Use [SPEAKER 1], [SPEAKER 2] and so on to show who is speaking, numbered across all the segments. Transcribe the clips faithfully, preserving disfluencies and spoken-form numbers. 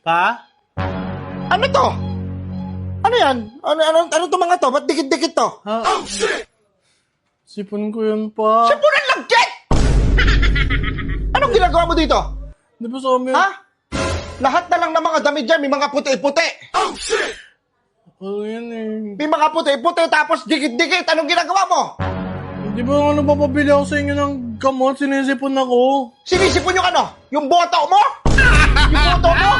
[SPEAKER 1] Ha?
[SPEAKER 2] Ano to? Ano yan? Ano, ano, ano to mga to? Ba't dikit-dikit to?
[SPEAKER 1] Ha? Oh, shit! Sipon ko yun pa.
[SPEAKER 2] Sipunan lagkit! Anong ginagawa mo dito?
[SPEAKER 1] Di ba sa amin?
[SPEAKER 2] Ha? Lahat na lang ng mga damit dyan, may mga puti-puti.
[SPEAKER 3] Oh, shit!
[SPEAKER 1] Ano yan eh?
[SPEAKER 2] May mga puti-puti, tapos dikit-dikit. Anong ginagawa mo?
[SPEAKER 1] Di ba ano papabili ako sa inyo ng gamot? Sinisipon ako.
[SPEAKER 2] Sinisipon yung ano? Yung boto mo? Yung boto mo?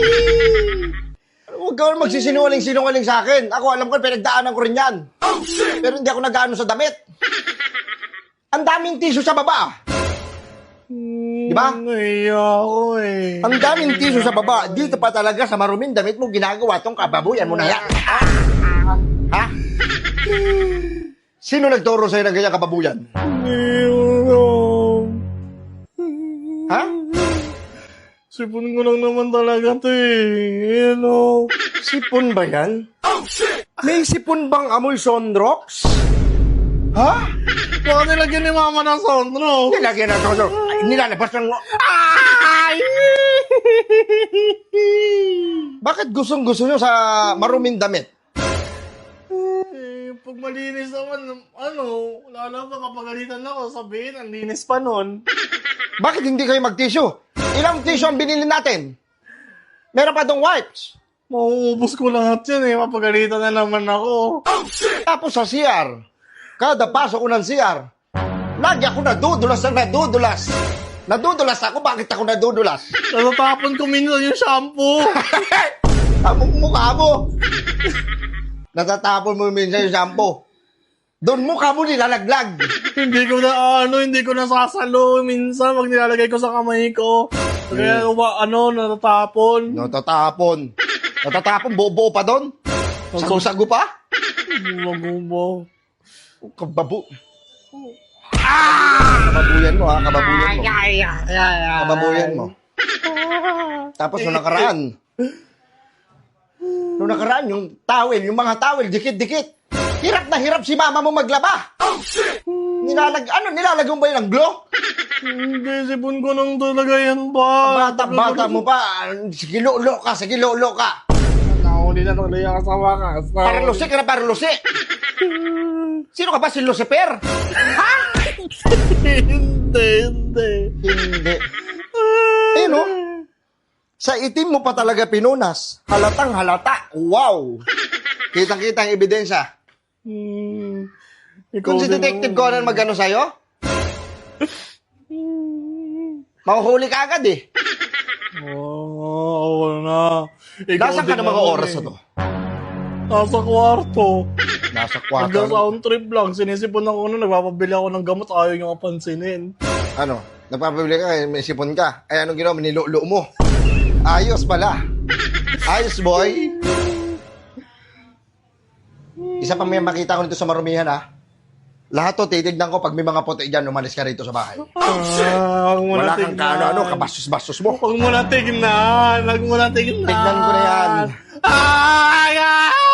[SPEAKER 2] Huwag ka magsisinungaling-sinungaling sa akin. Ako, alam ko, pinagdaanan ko rin yan.
[SPEAKER 3] Oh, shit!
[SPEAKER 2] Pero hindi ako nag-ano sa damit. Ang daming tissue sa baba. Di ba?
[SPEAKER 1] Naiya ako eh.
[SPEAKER 2] Ang daming tissue sa baba. Dito pa talaga sa maruming damit mo ginagawa tong kababuyan mo na yan. Ha? Sino nagturo sa'yo ng ganyan kababuyan? Ha?
[SPEAKER 1] Sipon ko lang naman talaga to eh. Ano?
[SPEAKER 2] Sipon ba yan?
[SPEAKER 3] Oh, shit!
[SPEAKER 2] May sipon bang amoy Sonrox? Ha?
[SPEAKER 1] Baka nilagyan ni mama ng sondro.
[SPEAKER 2] Nilagyan na Sonrox. Ay, nilalabas ng...
[SPEAKER 1] Ay!
[SPEAKER 2] Bakit gustong-gusto nyo sa maruming damit?
[SPEAKER 1] Eh, pag malinis naman, ano, wala lang makapagalitan ako, sabihin, ang linis pa nun.
[SPEAKER 2] Bakit hindi kayo mag-tissue? Ilang tissue ang binili natin? Meron pa dong wipes.
[SPEAKER 1] Mauubos ko lahat yan eh, mapagalitan na naman ako.
[SPEAKER 3] Oh, shit!
[SPEAKER 2] Tapos sa C R, kada pasok ko ng C R, lagi ako nadudulas na nadudulas. Nadudulas ako, bakit ako nadudulas?
[SPEAKER 1] Natatapon ko minsan yung shampoo.
[SPEAKER 2] Tamong mukha mo. Natatapon mo minsan yung shampoo. Doon mukha mo nilalaglag.
[SPEAKER 1] Hindi ko na, ano, hindi ko nasasalo minsan pag nilalagay ko sa kamay ko. Kaya, wa, ano, natatapon.
[SPEAKER 2] Natatapon. Natatapon, buo-buo pa doon. Sago-sago pa.
[SPEAKER 1] Magubo.
[SPEAKER 2] Oh, kababu. Ah! Kababuyan mo ha, kababuyan mo. Kababuyan mo. Tapos nung nakaraan, nung nakaraan, yung towel, yung mga towel, dikit-dikit. Hirap na hirap si mama mo maglaba.
[SPEAKER 3] Oh, shit!
[SPEAKER 2] Nilalag, ano, nilalagyan ba yun ng glow?
[SPEAKER 1] Hindi, sipon ko nang talaga yan ba?
[SPEAKER 2] Bata-bata mo pa, sige lolo ka, sige lolo ka.
[SPEAKER 1] Nakahuli na tuloy ang kasama ka.
[SPEAKER 2] Paralusi ka na paralusi. Sino ka ba, si Lucifer? Ha?
[SPEAKER 1] Hindi, hindi.
[SPEAKER 2] Hindi. Eh no? Sa itim mo pa talaga pinunas. Halatang halata. Wow! Kitang-kita ang ebidensya.
[SPEAKER 1] Hmm.
[SPEAKER 2] Kung si Detective Conan magano sa'yo, mahuhuli ka agad eh.
[SPEAKER 1] Oo, oh, na. Ikaw
[SPEAKER 2] Nasaan ka
[SPEAKER 1] din
[SPEAKER 2] ng mga
[SPEAKER 1] naman
[SPEAKER 2] oras
[SPEAKER 1] eh.
[SPEAKER 2] na to?
[SPEAKER 1] Nasa kwarto.
[SPEAKER 2] Nasa
[SPEAKER 1] Hanggang
[SPEAKER 2] kwarto.
[SPEAKER 1] sound trip lang. Sinisipon ako nun, nagpapabili ako ng gamot, ayaw nyo kapansinin.
[SPEAKER 2] Ano? Nagpapabili ka, may sipon ka. Ay, anong ginawa? Nilulo mo. Ayos pala. Ayos, boy. Isa pa may makita ko nito sa marumihan, ha? Lahat to, titignan ko pag may mga puti dyan, umalis ka rito sa bahay.
[SPEAKER 1] Ah, huwag mo
[SPEAKER 2] Wala
[SPEAKER 1] na
[SPEAKER 2] kang
[SPEAKER 1] tignan.
[SPEAKER 2] kaano-ano, kabastos-bastos mo.
[SPEAKER 1] Huwag mo na tignan. Huwag mo na tignan.
[SPEAKER 2] Tignan ko na yan.
[SPEAKER 1] Ay, ay!